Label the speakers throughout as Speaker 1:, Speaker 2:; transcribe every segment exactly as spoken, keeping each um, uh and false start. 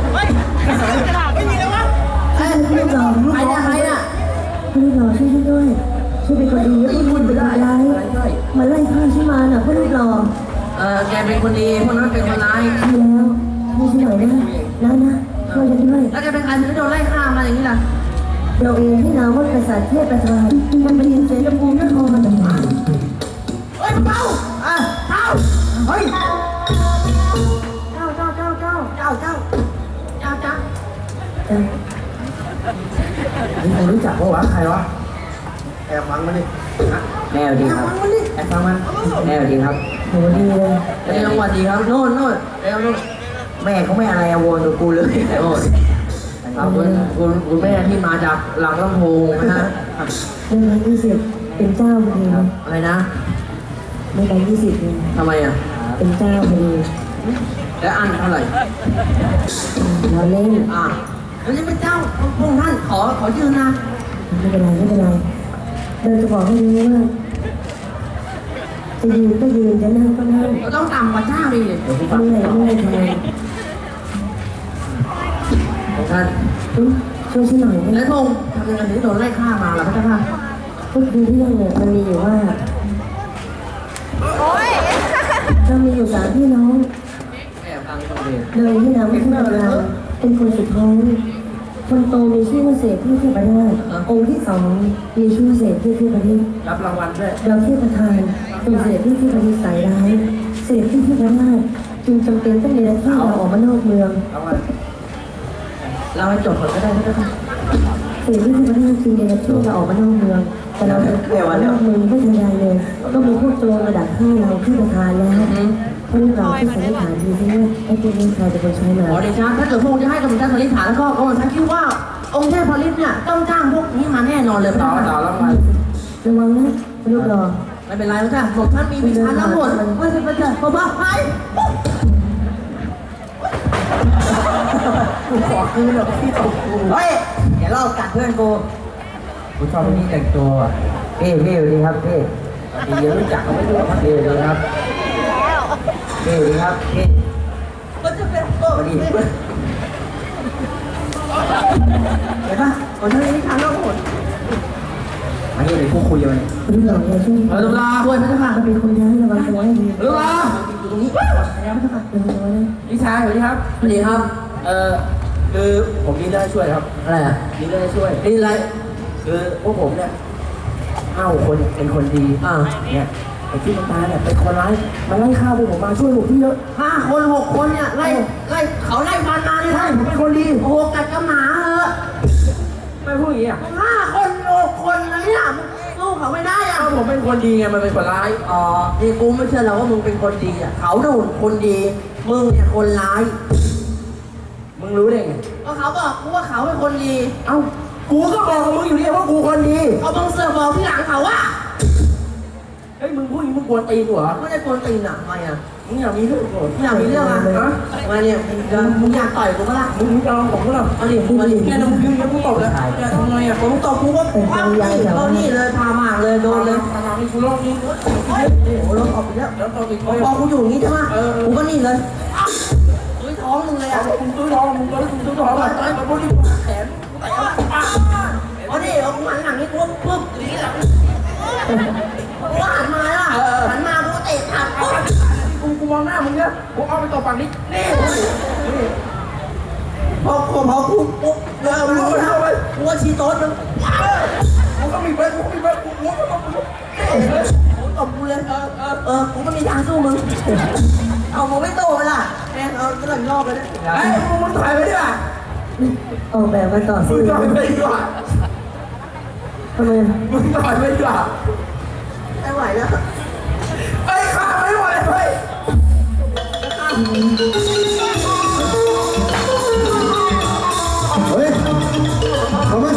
Speaker 1: เฮ้ยไม่มีแล้ววะเฮ้ยไม่หล่อใครเนี่ยใครเนี่ยไม่หล่อช่วยด้วยช่วยเป็นคนดีแล้วพูดคนเป็นร้ายมาไล่ฆ่าฉันมาน่ะพ่อลูกหล่อเออแกเป็นคนดีพวกนั้นเป็นคนร้ายใช่แล้วช่วยฉันหน่อยนะนะนะช่วยฉันด้วยแล้วแกเป็นใครถึงโดนไล่ฆ่ามาอย่างนี้ล่ะเราเองที่นามว่ากษัตริย์เทพประธานมันเป็นเสนาภูมินครมาจากไหนเฮ้ยเป้าอ่ะเป้าเฮ้ยเจ้าเจ้าเจ้าเจ้าเจ้าเจ้าเจ้าเจ้านี่ใครรู้จักว่าวะใครวะแอบฟังมาดิแม่ดีครับแอบฟังมาแม่ดีครับโหดีเลยเร็ววันดีครับโน่นโน่นเร็วโน่นแม่เขาไม่อะไรอะวนตัวกูเลยโอ้ครับคุณคุณคุณแม่ที่มาจากหลังลำโพงนะฮะเรื่องยี่สิบเป็นเจ้าพอดีอะไรนะไม่ได้ยี่สิบทำไมอ่ะเป็นเจ้าพอดีแล้วอันเท่าไหร่เราเล่นอ่ะแล้วจะเป็นเจ้าพวกท่านขอขอยืนนะไม่เป็นไรไม่เป็นไรเราจะบอกให้รู้ว่าจะยืนก็ยืนจะนั่งก็นั่งต้องต่ำกว่าเจ้าดิไม่ไหนไม่ไหนทำไมท่านช่วยฉันหน่อยนะแล้วพงษ์ทำยังไงถึงโดนไล่ฆ่ามาล่ะพระเจ้าค่ะก็คือเรื่องเนี่ยมันมีอยู่ว่าเรามีอยู่สามพี่น้องเลยที่นามว่าเทพประธานเป็นคนสุดท้องคนโตมีชื่อว่าเสกที่เทพประธานองค์ที่สองมีชื่อเสกที่เทพประธานรับรางวัลด้วยเราเทพประธานเป็นเสกที่เทพประธานสายร้ายเสกที่เทพประธานจึงจำเป็นต้องมีหน้าที่เราออกมานอกเมืองเราให้จบก่อนก็ได้นะคะสิ่งที่ที่ประเทศจีนเนี่ยช่วยเราออกมานอกเมืองแต่เราเดี๋ยวนอกเมืองไม่ทันไรเลยก็มีพวกโจรมาดักฆ่าเราที่ประธานแล้วเพราะเราที่สันนิษฐานดีที่ว่าไอ้พวกนี้ใครเป็นคนใช้มาอ๋อเดชะถ้าเกิดพวกจะให้กำลังใจสันนิษฐานแล้วก็กำลังใจคิดว่าองค์เทพพลิตเนี่ยต้องจ้างพวกนี้มาแน่นอนเลยต่อต่อแล้วมาระวังนะลูกรอไม่เป็นไรแล้วจ้ะบอกท่านมีวิชาทั้งหมดไม่เป็นไรจ้ะขอบ้าไปกูขอคืนหรอกพี่ตกกูเฮ้ยอย่าลอกกัดเพื่อนกูกูชอบคนนี้แต่งตัวพี่พี่สวัสดีครับพี่พี่ยังรู้จักเขาไม่รู้ครับพี่สวัสดีครับพี่สวัสดีครับพี่ก็จะเป็นโตดีเห็นปะคนที่นี่ทางโลกหมดมาเยี่ยมเลยพวกคุยกันนี่เราเนี่ยช่วยเออตุลาช่วยพระเจ้าค่ะเป็นคนย้ายระวังตัวให้ดีตุลาอยู่ตรงนี้พระเจ้าค่ะเป็นตัวเลยพี่ชายสวัสดีครับสวัสดีครับเออคือผมมีเรื่องให้ช่วยครับอะไรอ่ะมีเรื่องให้ช่วยนี่อะไรคือพวกผมเนี่ยห้าคนเป็นคนดีอ่าเนี่ยไอ้ที่มันตายเนี่ยเป็นคนร้ายมันไล่ฆ่าพวกผมมาช่วยผมที่เยอะห้าคนหกคนเนี่ยไล่ไล่เขาไล่ฟันมาเนี่ยใช่ผมเป็นคนดีโอ้โหกัดกระหมาเหอะไม่พูดอย่างนี้อ่ะห้าคนหกคนนะเนี่ยสู้เขาไม่ได้อ่ะผมเป็นคนดีไงมันเป็นคนร้ายอ๋อนี่กูไม่เชื่อเราว่ามึงเป็นคนดีอ่ะเขาโดนคนดีมึงเนี่ยคนร้ายมึงรู้ได้ไงก็เขาบอกกูว่าเขาเป็นคนดีเอ้ากูก็บอกกับมึงอยู่เนี่ยว่ากูคนดีเอาบังเสือบอกที่หลังเขาว่าเฮ้ยมึงพูดอย่างมึงกวนตีนเหรอไม่ได้กวนตีนอ่ะทำไมอ่ะมึงอยากมีเรื่องมึงอยากมีเรื่องอ่ะฮะมาเนี่ยมึงจะมึงอยากต่อยกูมั้ยล่ะมึงจะลองผมมั้ยล่ะมาดิมาดิแค่น้ำพิ้งแล้วกูตบแล้วจะทำไงอ่ะผมตบกูก็ปั้มนี่เรานี่เลยพามาเลยโดนเลยพามานี่กูลองนี่โอ้โหลองออกไปแล้วแล้วตบอีกพอกูอยู่อย่างนี้ใช่ไหมกูก็นี่เลยตุ้ยท้องมึงเลยอ่ะมึงตุ้ยท้องมึงตุ้ยตุ้ยท้องอะไรตายมาบนที่แขนเอาดิเอาหันหลังนี่ปุ๊บปุ๊บอย่างนี้แหละกูหันมาล่ะหันมากูเตะขาดกูกูมองหน้ามึงเนี่ยกูเอาไปต่อฝั่งนี้นี่พอพอพอกูปุ๊บเออรู้แล้วไปกูว่าชีโต๊ดมึงกูก็มีเพื่อนกูมีเพื่อนกูกูก็ต้องกูกูตบกูเลยเออเออเออกูก็มีทางสู้มึงเอามึงไม่โตไปล่ะแม่เอากระหล่ำรอบไปเลยไอ้มึงมึงถอยไปดิว่ะออกแบบมาต่อสู้มึงถอยไปดีกว่าทำไมมึงถอยไปดีกว่าไม่ไหวแล้วไอ้ข้าไม่ไหวเฮ้ยเฮ้ยทำไม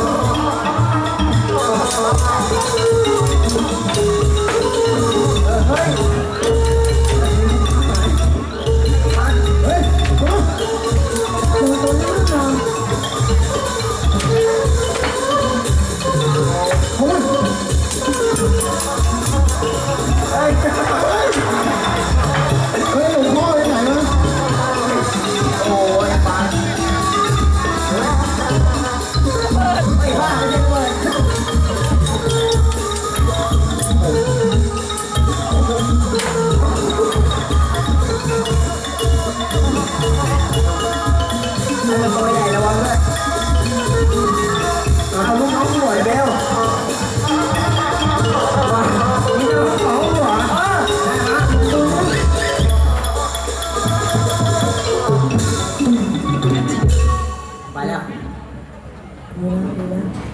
Speaker 1: เฮ้ยเฮ้ยหลวงพ่อไปไหนวะ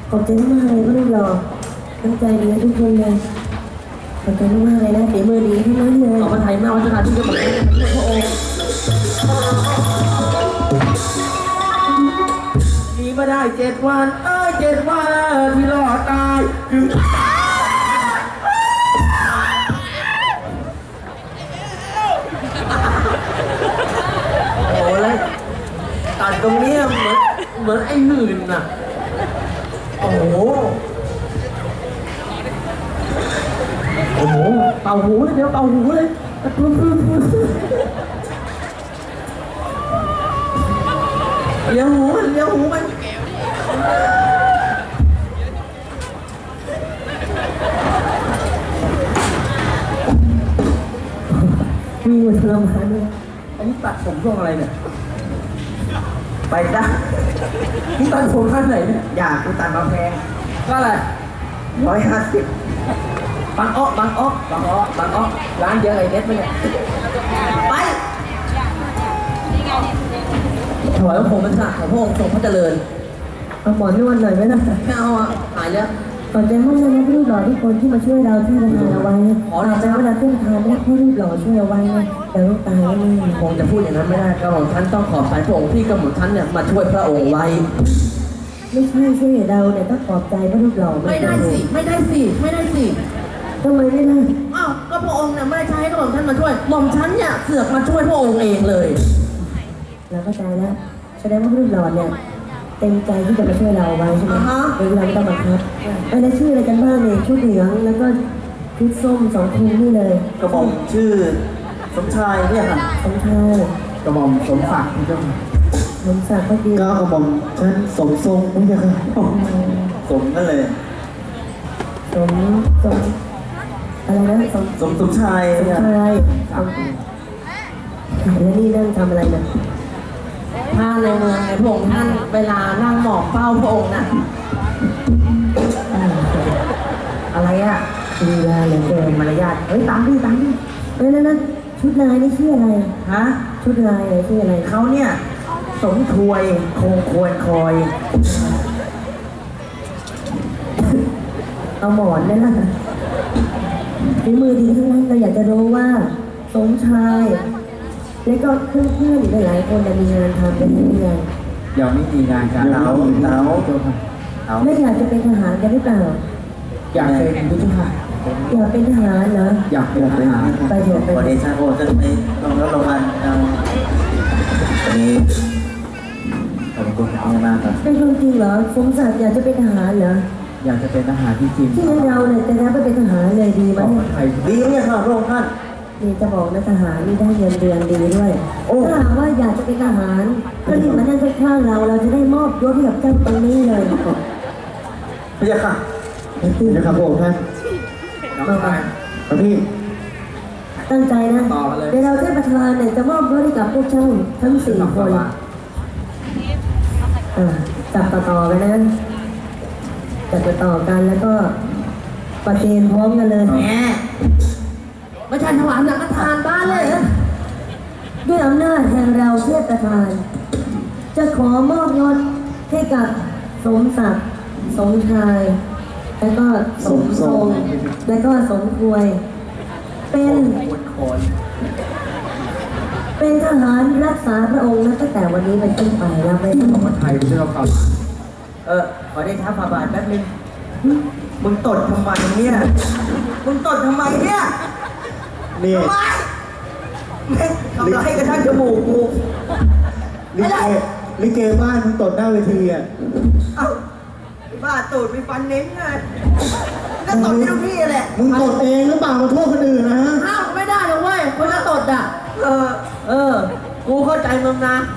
Speaker 2: ขอบใจมากเลยพระรูปหล่อตั้งใจดีทุกคนเลยขอบใจมากเลยนะฝีมือดีทั้งนั้นเลย
Speaker 1: ขอบพระทัยมากวัฒนาที่จะบอกให้พระองค์มีมาได้เจ็ดวันเอ้ยเจ็ดวันที่รอดตายคือโอ้ยตัดตรงนี้เหมือนเหมือนไอ้หื่นน่ะโอ้โหโอ้โหเป่าหูเลยเดี๋ยวเป่าหูเลยพึ่งพึ่งพึ่งเลี้ยงหูมันเลี้ยงหูมัน
Speaker 2: มีหัวทรมานด้วย
Speaker 1: อันนี้ตัดผมช่วงอะไรเนี่ยไปจ้ะนี่ตัดผมขั้นไหนเนี่ยอยากกูตัดมาแพงก็อะไรร้อยห้าสิบบางอ้อบางอ้อบางอ้อบางอ้อร้านเยอะไอ้เด็ดไหมเนี่ยไปถวายพระพรหมพระพระองค์ทรงพระเจริญ
Speaker 2: เอาหมอนนวดหน่อยไหมล่ะ
Speaker 1: ไม่เอาอ่ะหายแล้ว
Speaker 2: ขอบใจมากเลยนะพระรูปหล่อทุกคนที่มาช่วยเราที่ประทานเอาไว้ขอใจเวลาขึ้นทานนะพระรูปหล่อช่วยเอาไว้นะแต่ลูกตายแล้วนี่
Speaker 1: คงจะพูดอย่างนั้นไม่ได้กระหม่อมท่านต้องขอบใจพระองค์ที่กระหม่อมท่านเนี่ยมาช่วยพระองค์ไว้
Speaker 2: ไม่ใช่สิเราเนี่ยต้องขอบใจพระรูปหล่อ
Speaker 1: ไม่ได้สิไม่ได้สิไม่ได้สิ
Speaker 2: ทำไมไม่ได้
Speaker 1: อ้าวก็พระองค์เนี่ยไม่ได้ใช้ให้กระหม่อมท่านมาช่วยหม่อมท่านเนี่ยเสือกมาช่วยพระองค์เองเลย
Speaker 2: เราเข้าใจแล้วแสดงว่าพระรูปหล่อเนี่ยเต็มใจที่จะมาช่วยเราไว้ใช่ไหมโดยเราไม่ต้องบังคับไอ้แล้วชื่ออะไรกันบ้างเนี่ยชุดเหลืองแล้วก็ชุดส้มสองทีนี่เลย
Speaker 1: กระหม่อมชื่อสมชายเนี่ยค่ะ
Speaker 2: สมชาย
Speaker 1: กระหม่อมสมศักดิ์พี่เจ้า
Speaker 2: สมศักดิ์ก็ดี
Speaker 1: ก็กระหม่อมฉันสมทรงไม่ใช่ค่ะสมนั่นเลย
Speaker 2: สมสมอะไรนะสม
Speaker 1: สมสมชาย
Speaker 2: สมชายแล้วนี่นั่งทำอะไรเนี่ย
Speaker 1: ถ้าในเมืองในพระองค์ท่านเวลานั่งหมอบเฝ้าพระองค์น่ะอะไรอ่ะ
Speaker 2: มีลาเหลือเกิน
Speaker 1: มารยาทเฮ้ยตามดิตามดิ
Speaker 2: เฮ้ยนั่นนั่นชุดลายนี่ชื่ออะไร
Speaker 1: ฮะ
Speaker 2: ชุดลายอะไรชื่ออะไร
Speaker 1: เขาเนี่ยสมถวยคงควรคอย
Speaker 2: เอาหมอนนั่นน่ะฝีมือดีทั้งนั้นเราอยากจะรู้ว่าสมชายแล้วก็เพื่อนๆหลายคนจะมีงานทำเป็นเพื่อน
Speaker 1: ยังไม่มีงานการเรา
Speaker 2: เราไม่อยากจะเป็นทหารกันหรือเปล่า
Speaker 1: อยากเป็นผู้ช่วย
Speaker 2: อยากเป็นทหารเหรอ
Speaker 1: อยากเป็นทหาร
Speaker 2: ไปเถอะไป
Speaker 1: เดชะโอจะไปลงรับรางวัลวันนี้ขอบคุณมากครับ
Speaker 2: เป็นคนจริงเหรอสมศักดิ์อยากจะเป็นทหารเหรอ
Speaker 1: อยากจะเป็นทหารที่จริง
Speaker 2: ที่เราเนี่ยจะรับไปเป็นทหารเลยดีไหม
Speaker 1: ดีเนี่ยค่ะพระองค์ท่าน
Speaker 2: นี่จะบอกนะทหารนี่ได้เงินเดือนดีด้วยถ้าหากว่าอยากจะเป็นทหารก็รีบมานั่งข้างๆเราเราจะได้มอบยศให้กับเจ้าตรงนี้เลย
Speaker 1: พระยาค่ะพระยาค่ะพระองค์ท่านน้องชายพระพี่
Speaker 2: ตั้งใจนะเดี๋ยวเราเทพประธานเนี่ยจะมอบยศให้กับพวกเจ้าทั้งสี่คนจับต่อๆกันนะจับต่อๆกันแล้วก็ประเคนพร้อมกันเลย
Speaker 1: แหมไม่ใช่ถวายสังฆทานบ้านเลย
Speaker 2: ด้วยอำนาจแห่งเราเทพประธานจะขอมอบยศให้กับสมศักดิ์สมชายแล้วก็สมทรงแล้วก็สมถวยเป็นเป็นทหารรักษาพระองค์ตั้งแต่วันนี้เป็นต้นไปแล้วไม่ต้อง
Speaker 1: มาไทยไม่ใช่เราครับเออขอได้ท้าฝ่าบาทแป๊บนึงมึงตดทำไมเนี่ยมึงตดทำไมเนี่ยนี่ทำไมทำไรกระทั่งจมูกกู
Speaker 3: ลิเกลิเกบ้านมึงตดหน้าเวทีอ่ะ
Speaker 1: เอ้าบ้าตูดมีฟันเน้นไงก็ตดที่ทุกที่แหละ
Speaker 3: มึงตดเองหรือเปล่ามาโทษคนอื่นนะฮะ
Speaker 1: ห้ามไม่ได้หรอกเว้ยคนจะตดอ่ะเออเออกูเข้าใจมึงนะ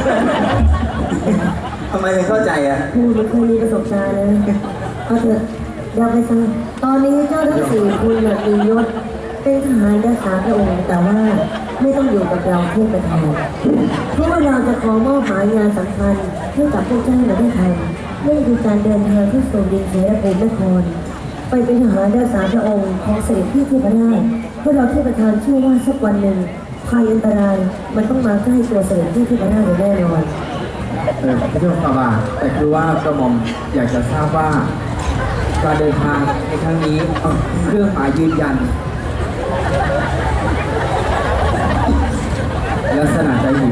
Speaker 1: ทำไมถึงเข้าใจอ่ะ
Speaker 2: กูไม่เคยมีประสบการณ์เลยเอาเถอะอย่าไปซะตอนนี้เจ้าทั้งสี่คุณมียศเป็นทหารรักษาพระองค์แต่ว่าไม่ต้องอยู่กับเราเพื่อประทานเพราะว่าเราจะขอมอบหมายงานสำคัญให้กับพวกเจ้าเราได้ทำนั่นคือการเดินทางที่สู่ดินแดนภูมินครไปเป็นทหารรักษาพระองค์ของเสด็จพี่เทพราชเพื่อเราเทพประธานเชื่อว่าสักวันหนึ่งภัยอันตรายมันต้องมาใกล้ตัวเสด็จพี่เทพราชแน่นอน
Speaker 1: เออพระเจ้าฝ่าบาทแต่คือว่ากระหม่อมอยากจะทราบว่าการเดินทางในครั้งนี้เอาเครื่องหมายยืนยันลักษณะใจหิว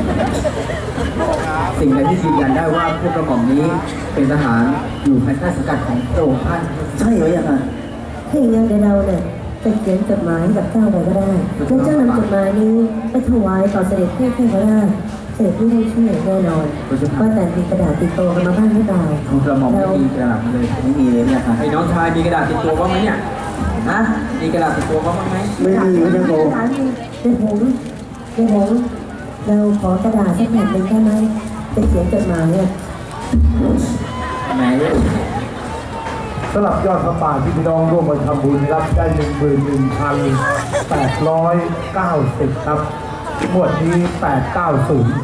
Speaker 1: สิ่งใดที่ยืนยันได้ว่าพวกกระหม่อมนี้เป็นทหารอยู่ภายใต้สังกัดของพระองค์ท่านใช่หรือยังไง
Speaker 2: ถ้าอย่างนั้นเดี๋ยวเราเนี่ยจะเขียนจดหมายกับเจ้าไปก็ได้แล้วเจ้านำจดหมายนี้ไปถวายต่อเสด็จพี่ให้ก็ได้เสด็จพี่ได้ช่วยแน่นอนว่าแต่มีกระดาษติดตัวกันมาบ้างหรือเปล่า
Speaker 1: ของกระหม่อมไม่มีกระดาษเลยไม่มีเลยเนี่ยค่ะไอ้น้องชายมีกระดาษติดตัวบ้างไหมเนี่ยฮะมีกระดาษติดตัวบ้างไหม
Speaker 3: ไม่มีไม่ได้โก
Speaker 2: เดี๋ยวผมเดี๋ยวผมเราขอกระดาษสักแผ่นหนึ่งได้ไหมจะเขียนจดหมายเนี่ย
Speaker 1: ไหน
Speaker 4: สำหรับยอดพระป่าที่พี่น้องร่วมมาทำบุญรับได้หนึ่งหมื่นหนึ่งพันแปดร้อยเก้าสิบครับงวดนี้แปดเก้าศูนย์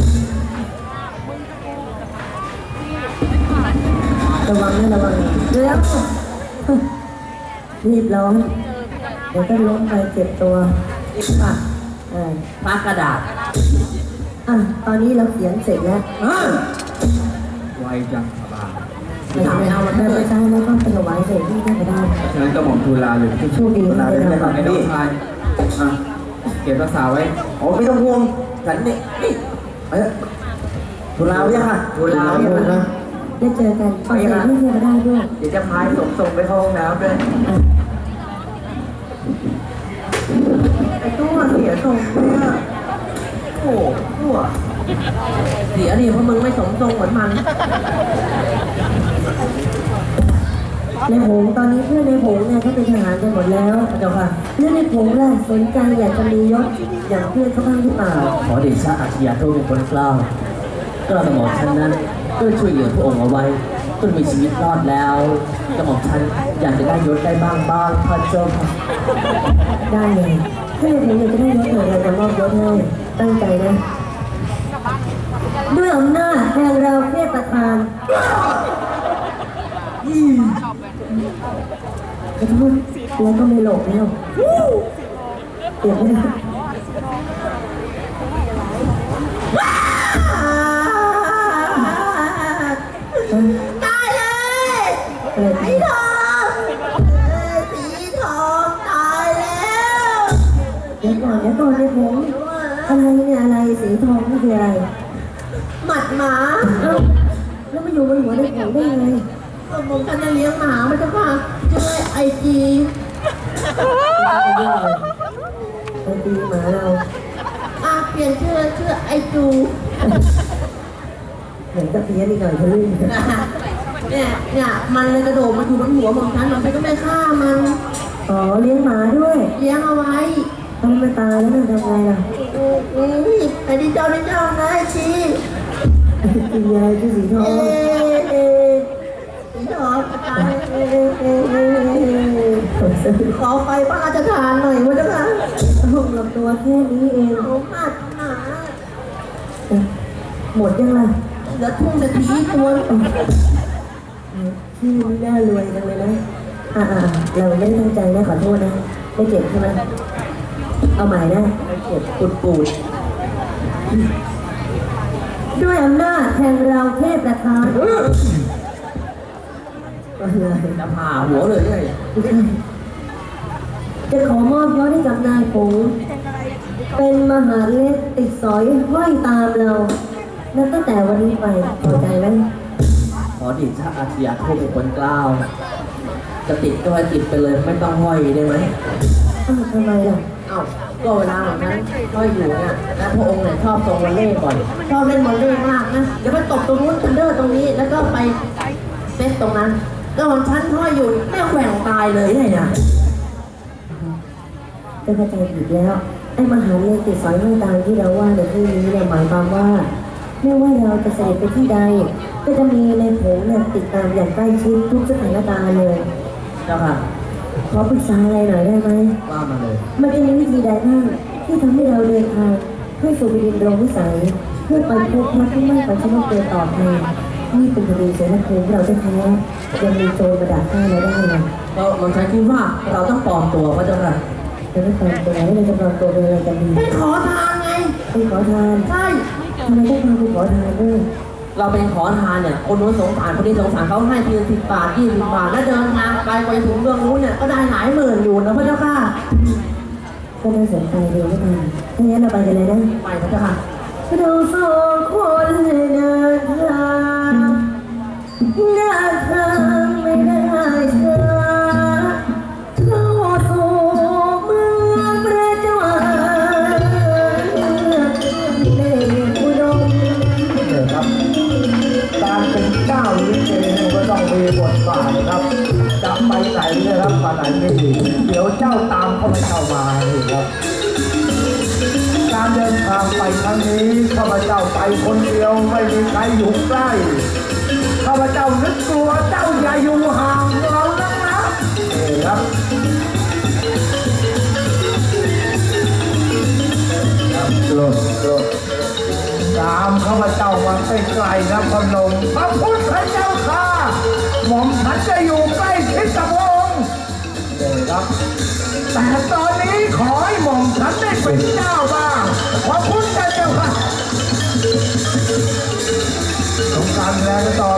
Speaker 2: ระวังนะระวังเร็วรีบร้อนเดี๋ยวก็ล้มไปเจ็บตัวรีบปักเออ
Speaker 1: ปากกระดาษ
Speaker 2: อ่ะตอนนี้เราเขียนเสร็จแล้ว
Speaker 1: ไวจังสบาย
Speaker 2: ไม่เอาได้ไปใช้แล้วก็ไปถวายเสร็จที่ได้ก็ได้
Speaker 1: ฉะนั้นกระหม่อมทูลลาอยู่ที่
Speaker 2: โชคดี
Speaker 1: ทูล
Speaker 2: นะ
Speaker 1: ลา
Speaker 2: เดี๋
Speaker 1: เลย
Speaker 2: ยว
Speaker 1: นะ
Speaker 2: เรา
Speaker 1: ไอ้น้องชายอ่ะเก็บรักษาไว้
Speaker 3: โอ้ไม่ต้องห่วงฉันนี่นี่เอ้ยทุลาวเนี่ยค่ะ
Speaker 1: ทูลลาเนี่ยนะ
Speaker 2: ได้เจอกันขอเสร็จที่เที่ยวก็ได้ด้วย
Speaker 1: เดี๋ยวจะพายส่งส่งไปเข้าห้องน้ำด้วย
Speaker 2: ไอ้ตัวเสียทรงเนี่ยโอ้ตัวเสียดิเพราะมึงไม่สมทรงเหมือนมันในผงตอนนี้เพื่อนในผงเนี่ยเขาเป็นทหารกันหมดแล้วเจ้าค่ะเรื่องในผงล่ะสนใจอยากจะมียศอย่างเพื่อนเขาบ้างหรือเปล่า
Speaker 5: ขอเดชะอาชญาโทษเป็นคนกล้าวกระหม่อมฉันนั้นก็ช่วยเหลือพระองค์เอาไว้จนมีชีวิตรอดแล้วกระหม่อมฉันอยากจะได้ยศได้บ้างบ้างพระเจ้าค่ะ
Speaker 2: ได้เลยถ้าในผงอยากจะได้ยศหน่อยเราจะมอบยศให้ตั้งใจนะด้วยอำนาจแห่งเราเทพประธานขอโทษแล้วก็ไม่หลบแล้วเดี๋ยวไม่ได้ตายเลยไอ้ทองสีทองตายแล้วเดี๋ยวก่อนเดี๋ยวก่อนเลยผมอะไรเนี่ยอะไรสีทองนี่คืออะไรหมัดหมาเอ้าแล้วมาอยู่บนหัวในผมได้ยังไงผมกันจะเลี้ยงหมาไม่ใช่ป่ะชื่อไอจีไอจีหมาเราอ่ะเปลี่ยนชื่อชื่อไอจูเหมือนกับเพี้ยนอีกหน่อยทะลึ่งเนี่ยเนี่ยมันเลยกระโดดมาอยู่บนหัวของฉันมันก็ไม่ฆ่ามันอ๋อเลี้ยงหมาด้วยเลี้ยงเอาไว้ทำมันตายแล้วมันทำไงล่ะอือไอ้ดิเจ้าดิเจ้านะไอจีกินยาที่สีทองสีทองตายขอไฟพระราชทานหน่อยวะเจ้าค่ะห้องหลับตัวแค่นี้เองโอ้ขาดหนาหมดยังล่ะเหลือทุ่งนาทีตัวชื่อไม่น่ารวยจังเลยนะอ่าเราไม่ได้ตั้งใจนะขอโทษนะไม่เจ็บใช่ไหมเอาใหม่นะไม่เจ็บปูดปูดด้วยอำนาจแห่งเราเทพประธาน
Speaker 1: จะผ่าหัวเลยไง
Speaker 2: จะขอมอบยศให้กับนายผงเป็นมหาเล็กติดสอยห้อยตามเรานับตั้งแต่วันนี้ไปพอใจไหม
Speaker 5: ขอเดชะอาชญาโทษเป็นคนกล้าวจะติดก็ให้ติดไปเลยไม่ต้องห้อยได้ไหม
Speaker 2: อ้าวทำไมล่ะ
Speaker 5: เอ้าก็เวลาของนั้นห้อยอยู่เนี่ยแล้วพระองค์เนี่ยชอบทรงวอลเล่บ่อย
Speaker 2: ชอบเล่นบอลเล่มากนะเดี๋ยวไปตบตรงนู้นทันเดอร์ตรงนี้แล้วก็ไปเซตตรงนั้นแล้วของฉันห้อยอยู่ไม่แหว่งตายเลยไงนะจะเข้าใจผิดแล้วไอ้มหาเล็กติดสอยห้อยตามที่เราว่าในที่นี้เนี่ยหมายความว่าไม่ว่าเราจะเสด็จไปที่ใดก็จะมีในผงเนี่ยติดตามอย่างใกล้ชิดทุกสถานการณ์เลย
Speaker 5: เจ้าค่ะ
Speaker 2: ขอปรึกษาอะไรหน่อยได้ไหม
Speaker 5: ว่ามาเลย
Speaker 2: มันจะมีวิธีใดบ้างที่ทำให้เราเดินทางเพื่อสู่แผ่นดินโดมวิสัยเพื่อไปพบพระที่ไม่ไปชนะเกินต่อไปนี่เป็นคดีเสนาภูมิเราแท้ๆยังมีโจรมาดักฆ่าเราได้เลย
Speaker 5: ก็มันใช้คิดว่าเราต้องปลอมตัวพระเจ้าค่ะ
Speaker 2: จะไม่ปลอมตัวไม่เลยจะปลอมตัวเป็นอะไรกันดี
Speaker 6: ให้ขอทานไง
Speaker 2: ไปขอทาน
Speaker 6: ใช่
Speaker 2: ททำไมต้องมาเป็นขอทานด้วย
Speaker 5: เราเป็นขอทานเนี่ยคนนู้นสงสารคนนี้สงสารเขาให้ทีละสิบบาทยี่สิบบาทแล้วเดินทางไกลไปถึงเมืองนู้นเนี่ยก็ได้หลายหมื่นอยู่นะพระเจ้าค่ะ
Speaker 2: ก็น่าสนใจดีไม่ทันถ้างั้นเราไปกันเลยนะ
Speaker 5: ไปพระเจ้าค่ะ
Speaker 2: เราสองคนเดินทางเดินทางไม่ได้ช้าเข้าสู่เมืองประจวบเดชอุดม
Speaker 4: เนี่ยครับ การเป็นเจ้าลิเกเนี่ยก็ต้องมีบทบาทนะครับจะไปไหนเนี่ยครับไปไหนไม่ดีเดี๋ยวเจ้าตามเข้าไปเข้ามานี่ครับ การเดินทางไปครั้งนี้ข้าพเจ้าไปคนเดียวไม่มีใครอยู่ใกล้ข้าพเจ้านึกกลัวเจ้าอย่าอยู่ห่างเรานักนะนี่ครับครับโลดโลดตามข้าพเจ้ามาใกล้ๆนะพนมพระพุทธเจ้าค่ะหม่อมฉันจะอยู่ใกล้ชิดกับพระองค์นี่ครับแต่ตอนนี้ขอให้หม่อมฉันได้เป็นเจ้าบ้างพระพุทธเจ้าค่ะสงการแรงต่อ